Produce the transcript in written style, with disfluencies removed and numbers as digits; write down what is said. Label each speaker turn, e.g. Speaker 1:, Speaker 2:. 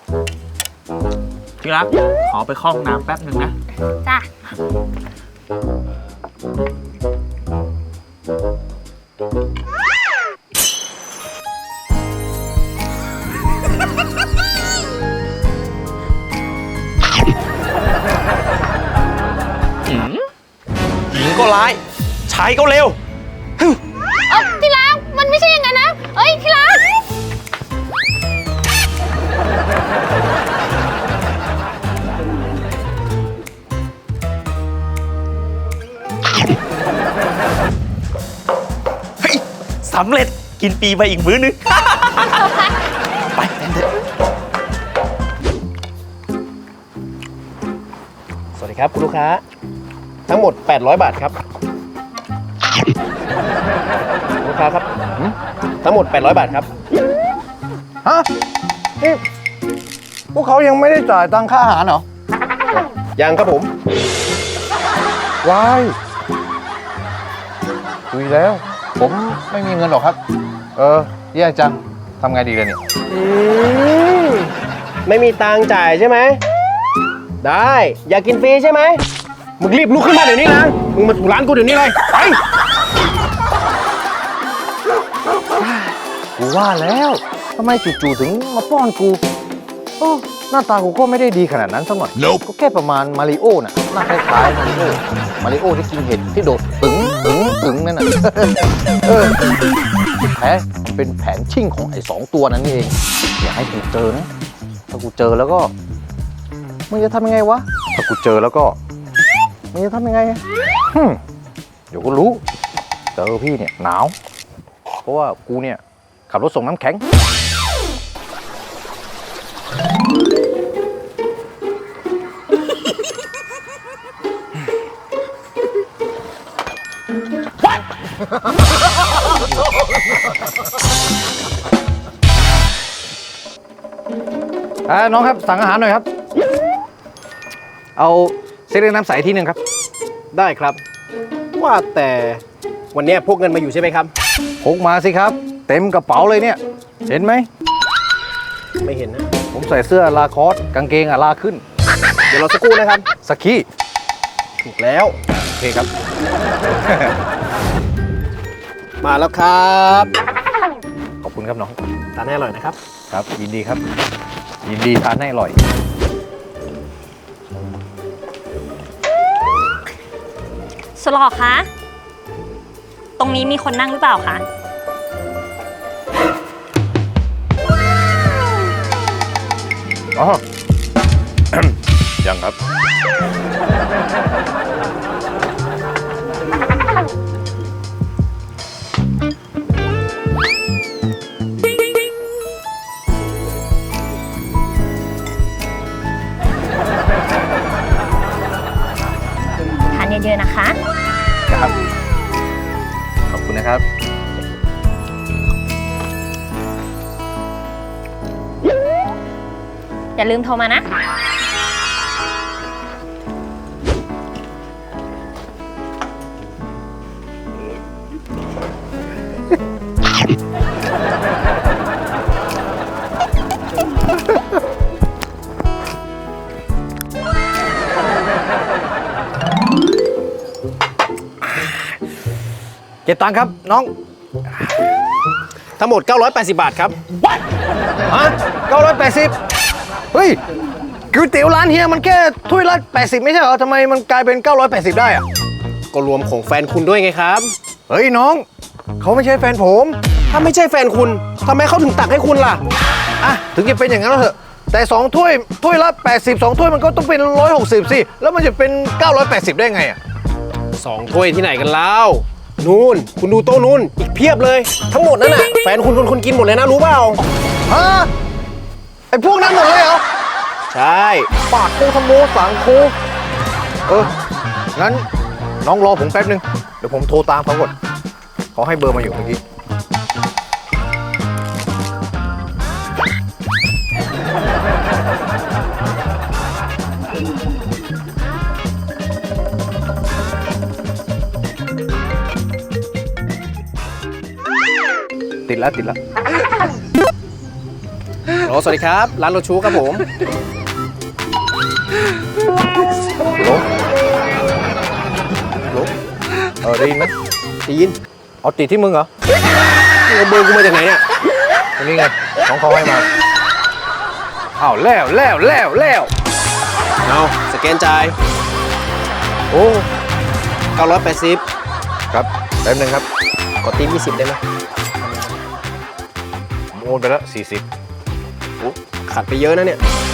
Speaker 1: ที่รักขอไปเข้าห้องน้ำแป๊บหนึ่งนะ
Speaker 2: จ้ะ
Speaker 3: หญิงก็ร้ายชายก็เร็ว
Speaker 2: ที่รักมันไม่ใช่อย่างนั้นนะ เอ้ยที่รัก
Speaker 3: เฮ้ยสำเร็จกินปีไปอีกมื้อนึง ไปกันเถอะสวัสดีครับคุณลูกค้าทั้งหมด800 บาทครับลูกค้าครับทั้งหมด800 บาทครับ
Speaker 4: ฮะนี่พวกเขายังไม่ได้จ่ายตังค่าอาหารเหรอ
Speaker 3: ยังครับผม
Speaker 4: ว้ายคุยแล้ว ผมไม่มีเงินหรอกครับ แย่จังทำไงดีเลยเนี่ย
Speaker 3: ไม่มีตังค์จ่ายใช่ไหมได้อยากกินฟรีใช่ไหมมึงรีบลุกขึ้นมาเดี๋ยวนี้นะมึงมาถูร้านกูเดี๋ยวนี้เลยไป
Speaker 4: กูว่าแล้วทำไมจู่ๆถึงมาป้อนกูโอ้หน้าตากูก็ไม่ได้ดีขนาดนั้นสักหน่อยก็แค่ประมาณมาริโอน่ะหน้าคล้ายๆมาริโอที่กินเห็ดที่โดดตึงนั่นน่ะ แท้เป็นแผนชิ่งของไอ้2 ตัวนั้นนี่เองอย่าให้กูเจอนะถ้ากูเจอแล้วก็มึงจะทำยังไงวะถ้ากูเจอแล้วก็มึงจะทำยังไงเดี๋ยวก็รู้เจอพี่เนี่ยหนาวเพราะว่ากูเนี่ยขับรถส่งน้ำแข็งน้องครับสั่งอาหารหน่อยครับเอาเส้นเล็กน้ำใสที่หนึ่งครับ
Speaker 3: ได้ครับว่าแต่วันนี้พกเงินมาอยู่ใช่ไหมครับ
Speaker 4: พกมาสิครับเต็มกระเป๋าเลยเนี่ยเห็นไหม
Speaker 3: ไม่เห็นนะ
Speaker 4: ผมใส่เสื้อลาคอสกางเกงลาขึ้น
Speaker 3: เดี๋ยวเราสักครู่นะครับ
Speaker 4: สกี้
Speaker 3: ถูกแล้ว
Speaker 4: โอเคครับ
Speaker 3: มาแล้วครับ
Speaker 4: ขอบคุณครับน้อง
Speaker 3: ทานให้อร่อยนะครับ
Speaker 4: ครับยินดีครับ ยินดีทานให้อร่อย
Speaker 2: สลอคะ ตรงนี้มีคนนั่งหรือเปล่าคะ
Speaker 4: อ๋อ ยังครับ
Speaker 2: ทานเยอะๆนะคะ
Speaker 4: ครับ ขอบคุณนะครับ
Speaker 2: อย่าลืมโทรมานะ
Speaker 4: เก็บตังค์ครับน้อง
Speaker 3: ทั้งหมด980 บาทครับ
Speaker 4: ฮะ980เฮ้ยก๋วยเตี๋ยวร้านเฮียมันแค่ถ้วยละ80ไม่ใช่เหรอทำไมมันกลายเป็น980ได้อะ
Speaker 3: ก็รวมของแฟนคุณด้วยไงครับ
Speaker 4: เฮ้ยน้องเขาไม่ใช่แฟนผม
Speaker 3: ถ้าไม่ใช่แฟนคุณทำไมเขาถึงตักให้คุณล่ะ
Speaker 4: อ่ะถึงจะเป็นอย่างนั้นแล้วเถอะแต่2ถ้วยละ80 2ถ้วยมันก็ต้องเป็น160สิแล้วมันจะเป็น980ได้ไงอ่ะ
Speaker 3: 2 ถ้วยที่ไหนกันแล้วนู่นคุณดูโต๊ะนู่นอีกเพียบเลย ทั้งหมดนั่นน่ะแฟนคุณกินหมดเลยนะรู้เปล่า
Speaker 4: ฮะไอ้พวกนั้นหมดเลยเหรอ
Speaker 3: ใช่
Speaker 4: ปากโคทโมสังโคงั้นน้องรอผมแป๊บนึงเดี๋ยวผมโทรตามเขาก่อนเขาให้เบอร์มาอยู่เมื่อกี้ ติดแล้ว
Speaker 3: โอ้สวัสดีครับ ร้านโรชูครับผม
Speaker 4: โหลโหลได้ยินไหม
Speaker 3: ได้ยิน
Speaker 4: เอาติดที่มึงเหรอ
Speaker 3: มึงเอาเบอร์กูมาจากไหนเนี่ย
Speaker 4: อันนี้ไงน้องเขาให้มาอ้าวแล้ว
Speaker 3: เอาสแกนจ่าย
Speaker 4: โอ้
Speaker 3: 980
Speaker 4: ครับแป๊บนึงครับ
Speaker 3: กดตี20ได้ไหม
Speaker 4: โอนไปแล้ว40
Speaker 3: ขาดไปเยอะนะเนี่ย